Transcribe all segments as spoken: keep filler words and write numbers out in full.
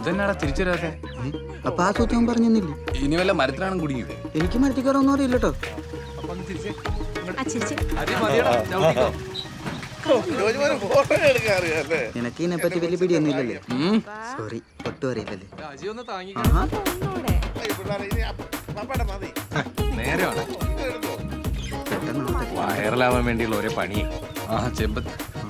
ഇതെന്നാടാ തിരിച്ചു വരാതെ? അപ്പൊ ആ സൂത്രം പറഞ്ഞില്ലേ? ഇനി വല്ല മരത്തിലാണ് കുടുങ്ങിയത്? എനിക്ക് മരത്തിക്കാരൊന്നും അറിയില്ല കേട്ടോ. നിനക്ക് ഇതിനെപ്പറ്റി വലിയ പിടിയൊന്നും ഇല്ലല്ലേ? സോറി, ഒട്ടും അറിയില്ലല്ലേ? വൈറലാവാൻ വേണ്ടിയുള്ള ഒരേ പണി. ആ ചെമ്പത്ത്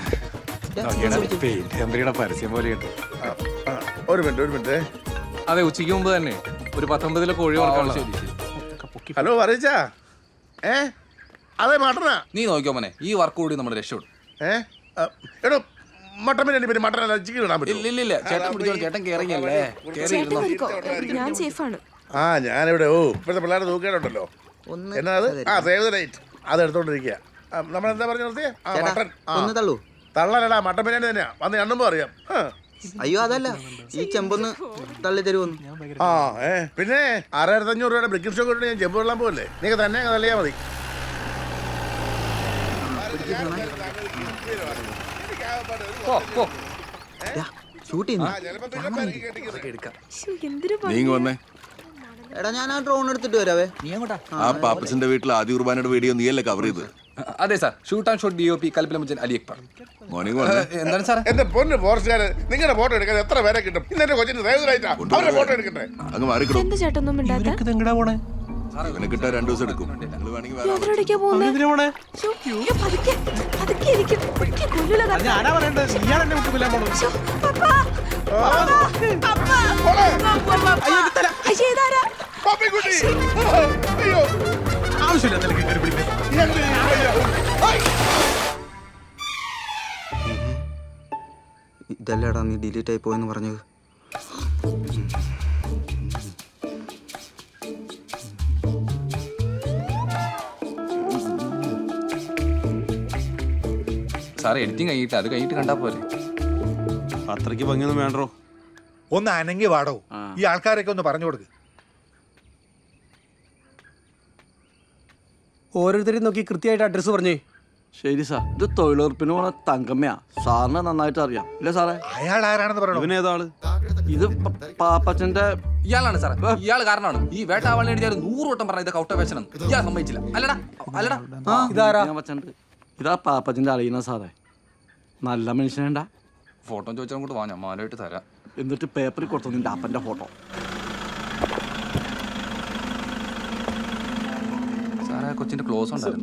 കമ്പനിയുടെ പരസ്യം പോലെയുണ്ട്. ഒരു മിനിറ്റ് ഒരു മിനിറ്റ് അതെ, ഉച്ചയ്ക്ക് മുമ്പ് തന്നെ ഒരു പത്തൊമ്പതിലെ കോഴി വളർത്താൻ. ഹലോ പറയിച്ചാ ഏ അതെ മട്ടനാ. നീ നോക്കിയോ മോനെ, ഈ വർക്ക് കൂടി നമ്മുടെ രക്ഷപ്പെടും. ഏ എടോ മട്ടൻ ബിരിയാണി പിന്നെ മട്ടൻ ചിക്കൻ ഇടാൻ പറ്റും? ഇല്ല ഇല്ല, ചേട്ടൻ പിടിച്ചോ, ചേട്ടൻ കേറിയല്ലേ ഞാൻ സേഫാണ്. ആ ഞാനിവിടെ ഓ ഇപ്പോഴത്തെ പിള്ളേരുടെ തൂക്കേടുണ്ടല്ലോ. എന്നാ അത്? ആ സേവ് ദ ഡേറ്റ് അത് എടുത്തോണ്ടിരിക്കുക. നമ്മളെന്താ പറഞ്ഞു നിർത്തിയേ? ആ മട്ടൻ ഒന്ന് തള്ളൂ. തള്ളലടാ, മട്ടൻ ബിരിയാണി തന്നെയാ. വന്ന് എണ്ണുമ്പോ അറിയാം. അയ്യോ അതല്ല, ഈ ചെമ്പൊന്ന് തള്ളി തരുമോന്ന്. ആ ഏ പിന്നെ ആറായിരത്തി അഞ്ഞൂറ് രൂപയുടെ ബ്രിക്കിംഗ് ഷോ കൊണ്ട് ഞാൻ ചെമ്പ് വെള്ളം പോകല്ലേ? നീ തന്നെ തള്ളിയാ മതി. ഷൂട്ട് ചെയ്യുന്നു. എടാ ഞാൻ ആ ഡ്രോൺ എടുത്തിട്ട് വരാവേ. ആ പാപ്പച്ചന്റെ വീട്ടിൽ ആദ്യ കുർബാനയുടെ വീഡിയോ നീയല്ലേ കവർ ചെയ്ത്? അതെ sir, shoot and shot D O P കൽപ്പിലമുച്ചൻ അലി അക്ബർ. മോർണിംഗ് എന്താണ് സാർ? എന്റെ പൊന്ന് ഫോറസ്റ്റുകാര്, നിങ്ങളുടെ ഫോട്ടോ എടുക്കാൻ എത്ര പേരെ കിട്ടും? ഇന്നെ കൊച്ചിന് സേവനായിട്ടാ അവരുടെ ഫോട്ടോ എടുക്കട്ടെ. അങ്ങ് മാറിക്കിടും. എന്താ ചേട്ടൊന്നും മിണ്ടാത്തെ? ഇവനെ കിട്ടാൻ രണ്ടു ദിവസം എടുക്കും. നിങ്ങൾ വേണമെങ്കിൽ വേറെ എവിടേക്കാ പോകുന്നെ? ശ്ശോ, അയ്യോ, പതുക്കെ, പതുക്കെ ഇരിക്ക്. പതുക്കെ കൊല്ലൂല തന്നെ. ശ്ശോ, പപ്പാ, പപ്പാ, പപ്പാ. അയ്യോ, ഇതാരാ? പപ്പിക്കുട്ടി. അയ്യോ ഇതല്ലേടാ നീ ഡിലീറ്റ് ആയി പോയെന്ന് പറഞ്ഞത്? സാറേ എഡിറ്റിംഗ് കഴിഞ്ഞിട്ട് അത് കഴിഞ്ഞിട്ട് കണ്ടാ പോലെ. അത്രയ്ക്ക് ഭംഗിയൊന്നും വേണ്ടോ? ഒന്ന് അനങ്ങി വാടോ. ഈ ആൾക്കാരൊക്കെ ഒന്ന് പറഞ്ഞു കൊടുക്ക്. ഓരോരുത്തരെയും നോക്കി കൃത്യമായിട്ട് അഡ്രസ്സ് പറഞ്ഞേ. ശരി സാർ, ഇത് തൊഴിലുറപ്പിന് പോണ തങ്കമ്മയാ. സാറിന് നന്നായിട്ട് അറിയാം ഇല്ലേ സാറേ? അയാൾ ആരാണെന്ന് പറയണോ? ഇവനേതാള്? ഇത് പാപ്പച്ചന്റെ. ഇയാളാണ് സാർ, ഇയാൾ കാരണമാണ് ഈ വേട്ടാവാളിനെ എഴുതിയാൽ നൂറ് വട്ടം പറഞ്ഞ ഇത് കൗട്ട വേഷനം ഇയാൾ സമ്മതിച്ചില്ല. അല്ലടാ അല്ലടാ ഇതാരാ? ഇതാ പാപ്പച്ചന്റെ അറിയുന്ന സാറേ. നല്ല മനുഷ്യനേണ്ട. ഫോട്ടോ ചോദിച്ചാൽ അങ്ങോട്ട് വാ, ഞാൻ മാലയിട്ട് തരാം. എന്നിട്ട് പേപ്പറിൽ കൊടുത്തു നിന്റെ അപ്പന്റെ ഫോട്ടോ. സാറേ കൊച്ചിന്റെ ക്ലോസ് ഉണ്ടായിരുന്നു.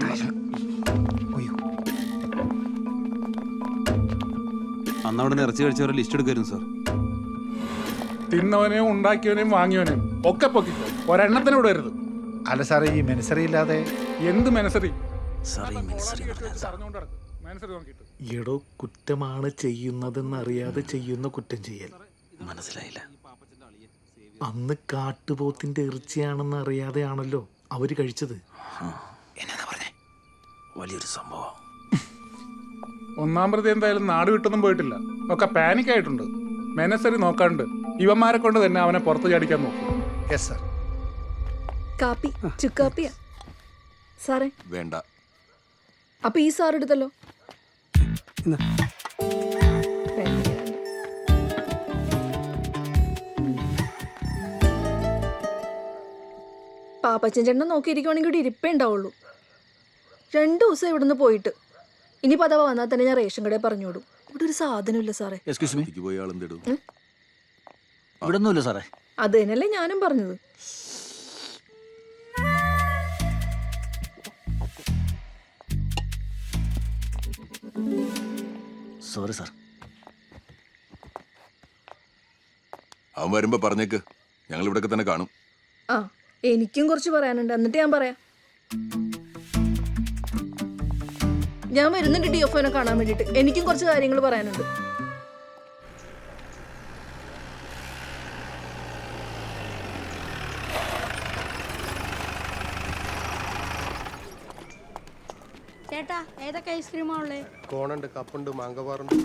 അന്ന് അവിടെ ഇറച്ചി കഴിച്ചവരെ ലിസ്റ്റ് എടുക്കായിരുന്നു സാർ. തിന്നവനെയും ഉണ്ടാക്കിയവനെയും വാങ്ങിയവനെയും ഒക്കെ പൊക്കിക്കോ, ഒരെണ്ണത്തിന് വിടരുത്. അല്ല സാറേ, ഈ മെനസറി ഇല്ലാതെ എന്ത് മെനസറി? എടോ, കുറ്റമാണ് ചെയ്യുന്നതെന്ന് അറിയാതെ ചെയ്യുന്ന കുറ്റം ചെയ്യൽ. മനസ്സിലായില്ല. അന്ന് കാട്ടുപോത്തിന്റെ ഇറച്ചിയാണെന്ന് അറിയാതെയാണല്ലോ അവര് കഴിച്ചത്. എന്നാ പറഞ്ഞേ? വലിയൊരു സംഭവം. ഒന്നാം പ്രതി എന്തായാലും നാട് വിട്ടൊന്നും പോയിട്ടില്ല, ഒക്കെ പാനിക് ആയിട്ടുണ്ട്. മെനസറി നോക്കാണ്ട് ഇവന്മാരെ കൊണ്ട് തന്നെ അവനെ പുറത്ത് ചാടിക്കാൻ നോക്കും. Yes sir. കാപ്പി ചുക്കാപ്പിയാ സാറേ? വേണ്ട. അപ്പൊ ഈ സാർ എടുത്തല്ലോ. പാപ്പച്ചൻ ചേട്ടനെ നോക്കിയിരിക്കുവാണെങ്കിൽ ഇവിടെ ഇരിപ്പേ ഉണ്ടാവുള്ളൂ. രണ്ടു ദിവസം ഇവിടുന്ന് പോയിട്ട് ഇനി പതവ വന്നാൽ തന്നെ ഞാൻ റേഷൻ കടയിൽ പറഞ്ഞു വിടും. ഇവിടെ ഒരു സാധനമില്ല സാറേ. എക്സ്ക്യൂസ് മീ, പോയി ആളെന്തിടും? ഇവിടെ ഒന്നുമില്ല സാറേ. അത് തന്നെയല്ലേ ഞാനും പറഞ്ഞത്. Sorry sir. അവൻ വരുമ്പോ പറഞ്ഞേക്ക്, ഞങ്ങൾ ഇവിടൊക്കെ തന്നെ കാണും. ആ, എനിക്കും കുറച്ച് പറയാനുണ്ട്, എന്നിട്ട് ഞാൻ പറയാം. ഞാൻ വരുന്നുണ്ട് ഡി എഫ് ഒനെ കാണാൻ വേണ്ടിട്ട്. എനിക്കും കുറച്ച് കാര്യങ്ങൾ പറയാനുണ്ട്. ചേട്ടാ, ഏതൊക്കെ ഐസ്ക്രീമാ ഉള്ളേ? കോണുണ്ട്, കപ്പുണ്ട്, മാങ്കവാറുണ്ട്.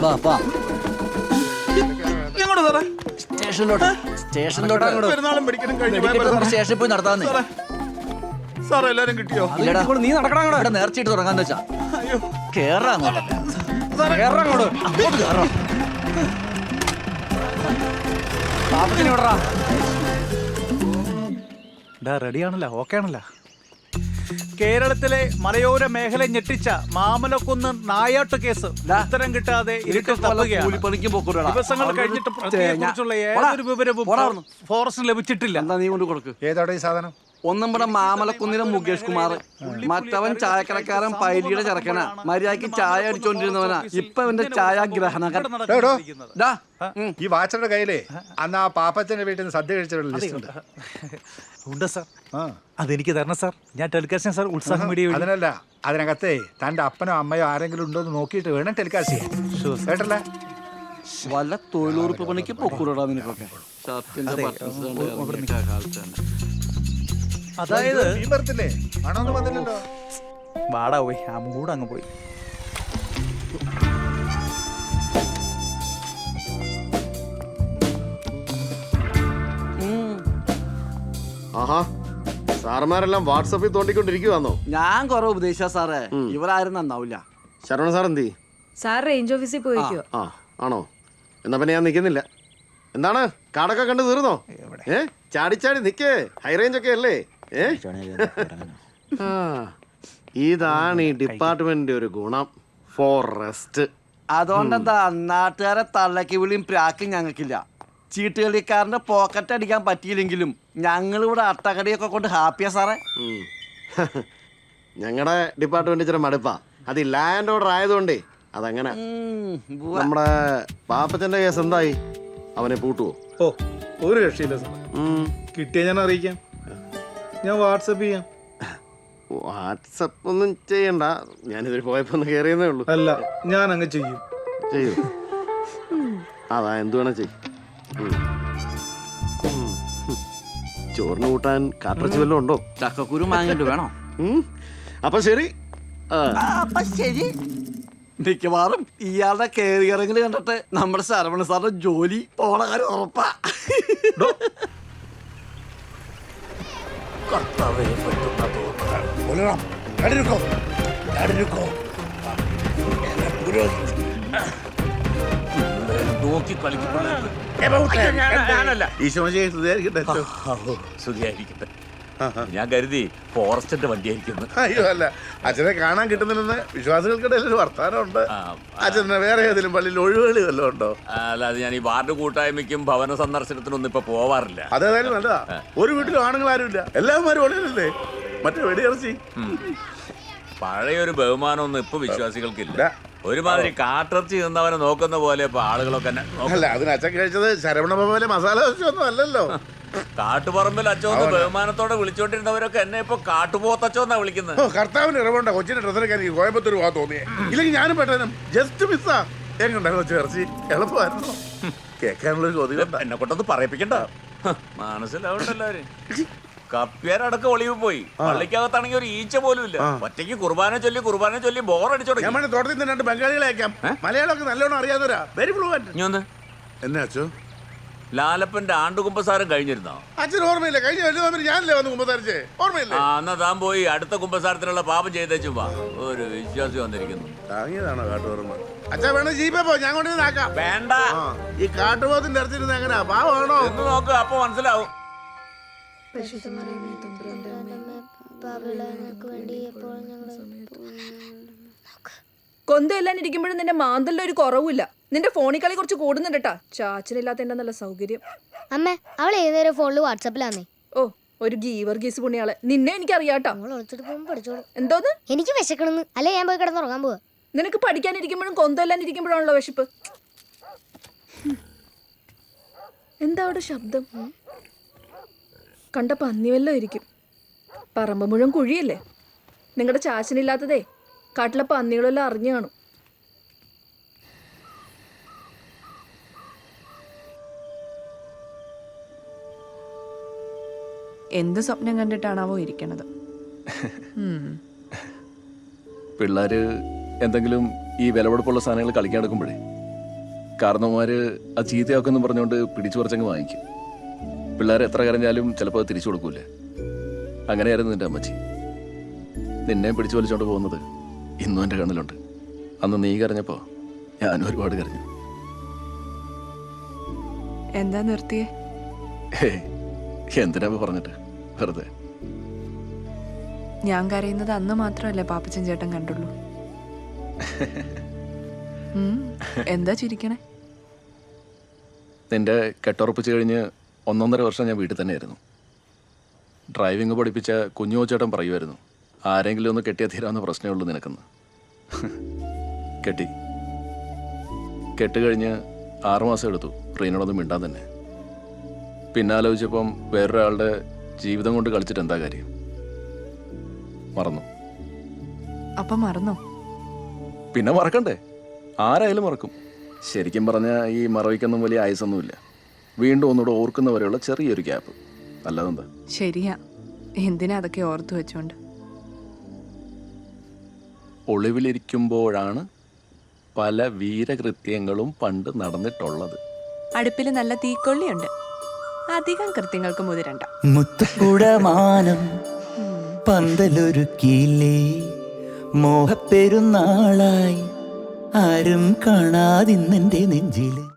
സ്റ്റേഷനിലോട്ട് സ്റ്റേഷനിലോട്ട് സ്റ്റേഷനിൽ പോയി നടത്താന്നേ. സാർ എല്ലാരും കിട്ടിയോ? നീ നടക്കണ നേർച്ചയിട്ട് തുടങ്ങാന്ന് വെച്ചാ കേറാ അങ്ങോട്ട്. അങ്ങോട്ട് കേറാ. റെഡിയാണല്ലോ, ഓക്കെ ആണല്ലോ. കേരളത്തിലെ മലയോര മേഖല ഞെട്ടിച്ച മാമലക്കുന്ന് നായാട്ട് കേസ് ഉത്തരം കിട്ടാതെ ഇരുട്ടിൽ തപ്പുകയാണ്. കൂലിപ്പണിക്ക് പോക്കൂടാ. ദിവസങ്ങൾ കഴിഞ്ഞിട്ട് പ്രതിയെക്കുറിച്ചുള്ള ഏതൊരു വിവരവും ഫോറസ്റ്റിന് ലഭിച്ചിട്ടില്ല. എന്താ നീ കൊണ്ട് കൊടുക്ക്. ഏതാടെ ഈ സാധനം? ഒന്നും ഇവിടെ മാമലക്കുന്നിലെ മുകേഷ് കുമാർ, മറ്റവൻ ചായക്കടക്കാരൻ പൈലിയുടെ ചെറുക്കനാ. മര്യാദക്ക് ചായ അടിച്ചോണ്ടിരുന്നവനാ. ഇപ്പൊ അവന്റെ ചായ ഗ്രഹണകൻ. ഈ വാച്ചറുടെ കയ്യിലേ അന്ന് ആ പാപ്പച്ചന്റെ വീട്ടിൽ നിന്ന് സദ്യ കഴിച്ചവരുടെ ലിസ്റ്റ് ഉണ്ട്. ഉണ്ട് സാർ. അതെനിക്ക് തരണം സാർ. ഞാൻ ടെലികാസ്റ്റ് സാർ ഉത്സാഹം വീഡിയോ. അതിനല്ല, അതിനകത്തെ തന്റെ അപ്പനോ അമ്മയോ ആരെങ്കിലും ഉണ്ടോ എന്ന് നോക്കിയിട്ട് വേണം ടെലികാസ്റ്റ് ചെയ്യാൻ. കേട്ടല്ലേ? വല്ല തൊഴിലുറപ്പ് പണിക്ക് പൊക്കൂടാ നിനക്കൊക്കെ. അതായത് വരത്തില്ലേ? ആണോന്ന് വന്നില്ലല്ലോ. വാടാ പോയി, ആ മൂട് അങ്ങ് പോയി. ആഹാ, സാറന്മാരെല്ലാം വാട്സപ്പിൽ തോണ്ടിക്കൊണ്ടിരിക്കുവാന്നോ? ഞാൻ കൊറേ ഉപദേശിച്ച സാറേ, ഇവരാരും നന്നാവില്ല. ശരവണ സാർ എന്തി? സാർ റേഞ്ച് ഓഫീസിൽ പോയിക്കോ. ആ ആണോ? എന്നാ പിന്നെ ഞാൻ നിൽക്കുന്നില്ല. എന്താണ് കാടൊക്കെ കണ്ട് തീർന്നോ? ഏ ചാടിച്ചാടി നിക്കേ, ഹൈ റേഞ്ച് ഒക്കെ അല്ലേ? ഏ ആ, ഇതാണ് ഈ ഡിപ്പാർട്ട്മെന്റിന്റെ ഒരു ഗുണം. ഫോറസ്റ്റ്. അതുകൊണ്ടെന്താ നാട്ടുകാരെ തള്ളക്ക് വിളിയും പ്രാക്കും ഞങ്ങൾക്കില്ല. ചീട്ടുകളിക്കാരന്റെ പോക്കറ്റ് അടിക്കാൻ പറ്റിയില്ലെങ്കിലും ഞങ്ങൾ ഇവിടെ അട്ടകടിയൊക്കെ കൊണ്ട് ഹാപ്പിയാ സാറേ. ഞങ്ങളുടെ ഡിപ്പാർട്ട്മെന്റ് ഇച്ചിരി മടുപ്പാ. അത് ലാൻഡ് ഓർഡർ ആയതുകൊണ്ടേ അതങ്ങനെ. നമ്മുടെ പാപ്പച്ചന്റെ കേസ് എന്തായി? അവനെ പൂട്ടുവോ? ഓ, ഒരു രക്ഷയില്ല സാർ. കിട്ടിയ ഞാൻ അറിയിക്കാം. ഞാൻ വാട്സപ്പ് ചെയ്യാം. വാട്സപ്പ് ഒന്നും ചെയ്യണ്ട, ഞാനിതിൽ പോയപ്പോ ഒന്ന് കയറിയെന്നേ ഉള്ളൂ. അല്ല, ഞാൻ അങ്ങ് ചെയ്യും. ചെയ്യൂ. അതാ എന്ത് വേണം ചെയ്യും. ചോറിന് കൂട്ടാൻ കാട്ടിറച്ചി വല്ലതും ഉണ്ടോ? ചക്കക്കുരു മാങ്ങിട്ട് വേണോ? അപ്പൊ ശരി. അപ്പൊ ശരി. മിക്കവാറും ഇയാളുടെ കയറി ഇറങ്ങൽ കണ്ടിട്ട് നമ്മുടെ ശരവണ സാറിന്റെ ജോലി പോണ കാര്യം ഉറപ്പാ. നോക്കി കളിക്കുമ്പോൾ സുഖിയായിരിക്കട്ടെ. ഞാൻ കരുതി ഫോറസ്റ്റിന്റെ വണ്ടിയായിരിക്കുന്നു. അയ്യോ അല്ല, അച്ഛനെ കാണാൻ കിട്ടുന്നില്ലെന്ന് വിശ്വാസികൾക്കിടയിൽ ഒരു വർത്താനമുണ്ട്. അച്ഛനെ വേറെ ഏതെങ്കിലും പള്ളിയിൽ ഒഴിവുകളി വല്ലതും ഉണ്ടോ? അല്ലാതെ ഞാൻ ഈ വാർഡ് കൂട്ടായ്മയ്ക്കും ഭവന സന്ദർശനത്തിനൊന്നും ഇപ്പൊ പോവാറില്ല. അതേതായാലും നല്ലതാ. ഒരു വീട്ടിലും ആണുങ്ങൾ ആരുമില്ല, എല്ലാവരും ഒളിയല്ലേ. മറ്റേ വെടിയിറച്ചി. പഴയൊരു ബഹുമാനമൊന്നും ഇപ്പൊ വിശ്വാസികൾക്കില്ല. ഒരുമാതിരി കാട്ടിറച്ചി നിന്നവനെ നോക്കുന്ന പോലെ ഇപ്പൊ ആളുകളൊക്കെ. അല്ല, അതിന് അച്ഛൻ കഴിച്ചത് ശരവണ ഭവനിലെ മസാല ദോശയൊന്നും അല്ലല്ലോ. കാട്ടുപറമ്പിൽ അച്ചോന്ന് ബഹുമാനത്തോടെ വിളിച്ചോണ്ടിരുന്നവരൊക്കെ എന്നെ ഇപ്പൊ കാട്ടുപോത്തച്ചോന്നാ വിളിക്കുന്നത്. കർത്താവിന് ഇറവുണ്ട കൊച്ചിന്റെ ഡ്രസ്സിനൊക്കെ എനിക്ക് കോയമ്പത്തൂർ പോകാൻ തോന്നിയേ. ഇല്ലെങ്കിൽ ഞാനും പെട്ടെന്ന് ജസ്റ്റ് മിസ്സാ. എങ്ങുണ്ടായിരുന്നു ചേർച്ചി? എളുപ്പമായിരുന്നു കേൾക്കാനുള്ള ചോദ്യം. എന്നെ കൊണ്ടൊന്ന് പറയിപ്പിക്കണ്ട, മനസ്സിലാവണ്ടല്ലാരും. കപ്പ്യാരടക്കം ഒളിവ് പോയി. പള്ളിക്കകത്താണെങ്കിൽ ഒരു ഈച്ച പോലും ഇല്ല. ഒറ്റയ്ക്ക് കുർബാന ചൊല്ലി കുർബാന ചൊല്ലി ബോറടിച്ചോ. ഞാൻ തോട്ടത്തിൽ നിന്ന് രണ്ട് ബംഗാളികളെ അയക്കാം. മലയാളമൊക്കെ നല്ലോണം അറിയാവുന്നവരാ. Very fluent. എന്നാ അച്ഛോ? ലാലപ്പന്റെ ആണ്ടുകുമ്പസാരം കഴിഞ്ഞിരുന്നോ? അച്ഛൻ ഓർമ്മയില്ല. കഴിഞ്ഞ വലിയ ഞാനല്ലേ വന്ന് കുമ്പസാരിച്ചേ, ഓർമ്മയില്ല? ആ, എന്നാ താൻ പോയി അടുത്ത കുമ്പസാരത്തിനുള്ള പാപം ചെയ്തേച്ചും വാ. ഒരു വിശ്വാസി വന്നിരിക്കുന്നു. താങ്ങിയതാണോ കാട്ടുപോർമ്മ? അച്ഛാ വേണം ജീപ്പേ പോ, ഞാൻ കൊണ്ടുവന്ന് ആക്കാം. വേണ്ട, ഈ കാട്ടുപോത്തിന്റെ ഇറച്ചിരുന്ന് എങ്ങനെയാ? പാവമാണോ എന്ന് നോക്ക്, അപ്പൊ മനസ്സിലാവും. കൊന്തയെല്ലാം ഇരിക്കുമ്പോഴും നിന്റെ മാന്തലിന്റെ ഒരു കുറവില്ല. നിന്റെ ഫോണിൽ കളി കുറച്ച് കൂടുന്നുണ്ടാ. ചാച്ചനില്ലാത്ത എന്റെ നല്ല സൗകര്യം. അമ്മ, അവൾ ഏതൊരു ഫോണില് വാട്സാപ്പിലാന്നേ. ഓ, ഒരു ഗീവർ ഗീസ് പുണ്യാളെ. നിന്നെ എനിക്ക് അറിയാട്ടോ. എന്തോന്ന്? എനിക്ക് വിശക്കണെന്ന്. അല്ലെ ഞാൻ പോയി കിടന്നുറങ്ങാൻ പോവാ. നിനക്ക് പഠിക്കാനിരിക്കുമ്പോഴും കൊന്തയെല്ലാം ഇരിക്കുമ്പോഴാണല്ലോ വിശപ്പ്. എന്താ അവിടെ ശബ്ദം? കണ്ട പന്നി വല്ലതും ഇരിക്കും. പറമ്പ് മുഴുവൻ കുഴിയല്ലേ. നിങ്ങളുടെ ചാച്ചനില്ലാത്തതേ കാട്ടിലെ പന്നികളെല്ലാം അറിഞ്ഞു കാണും. എന്ത് സ്വപ്നം കണ്ടിട്ടാണാവോ ഇരിക്കണത്? പിള്ളേര് എന്തെങ്കിലും ഈ വിലപിടിപ്പുള്ള സാധനങ്ങൾ കളിക്കാൻ എടുക്കുമ്പോഴേ കാരണവന്മാര് അത് ചീത്തയാക്കുമെന്ന് പറഞ്ഞുകൊണ്ട് പിടിച്ചു പറിച്ചങ്ങ് വാങ്ങിക്കും. പിള്ളേർ എത്ര കരഞ്ഞാലും ചിലപ്പോൾ അത് തിരിച്ചു കൊടുക്കൂലേ. അങ്ങനെയായിരുന്നു നിന്റെ അമ്മച്ചി. നിന്നെ പിടിച്ചു വലിച്ചോണ്ട് പോകുന്നത് ഇന്നും എൻ്റെ കണ്ണിലുണ്ട്. അന്ന് നീ കരഞ്ഞപ്പോൾ ഞാനും ഒരുപാട് കരഞ്ഞു. എന്താ നിർത്തിയേ? ഹേയ്, എന്തിനാ ഇപ്പൊ പറഞ്ഞിട്ട് വെറുതെ. ഞാൻ കരയുന്നത് അന്ന് മാത്രമല്ലേ പാപ്പച്ചൻ ചേട്ടൻ കണ്ടുള്ളൂ. ഉം, എന്താ ചിരിക്കണേ? നിന്റെ കെട്ടുറപ്പിച്ച് കഴിഞ്ഞ് ഒന്നൊന്നര വർഷം ഞാൻ വീട്ടിൽ തന്നെയായിരുന്നു. ഡ്രൈവിംഗ് പഠിപ്പിച്ച കുഞ്ഞു ചേട്ടൻ പറയുമായിരുന്നു, ആരെങ്കിലും ഒന്ന് കെട്ടിയാൽ തീരാവുന്ന പ്രശ്നമേ ഉള്ളൂ നിനക്കെന്ന്. കെട്ടി കെട്ട് കഴിഞ്ഞ് ആറുമാസം എടുത്തു റീനോടൊന്നും മിണ്ടാൻ തന്നെ. പിന്നെ ആലോചിച്ചപ്പം വേറൊരാളുടെ ജീവിതം കൊണ്ട് കളിച്ചിട്ട് എന്താ കാര്യം? മറന്നു. അപ്പൊ മറന്നോ? പിന്നെ മറക്കണ്ടേ? ആരായാലും മറക്കും. ശരിക്കും പറഞ്ഞാൽ ഈ മറവിക്കൊന്നും വലിയ ആയുസൊന്നുമില്ല. വീണ്ടും ഒന്നുകൂടെ ഓർക്കുന്നവരെയുള്ള ചെറിയൊരു ഗ്യാപ്പ്, അല്ലാതെന്താ? ശരിയാ, എന്തിനാ അതൊക്കെ ഓർത്തു വെച്ചോണ്ട്? ഒളിവിലിരിക്കുമ്പോഴാണ് പല വീരകൃത്യങ്ങളും പണ്ട് നടന്നിട്ടുള്ളത്. അടുപ്പിൽ നല്ല തീക്കൊള്ളിയുണ്ട്, അധികം കൃത്യങ്ങൾക്ക് മുതിരണ്ട. മുത്തുകുടമാനം പന്തലൊരുക്കിയില്ലേ, മോഹപ്പെരുന്നാളായി ആരും കാണാതിന്നെന്റെ നെഞ്ചില്.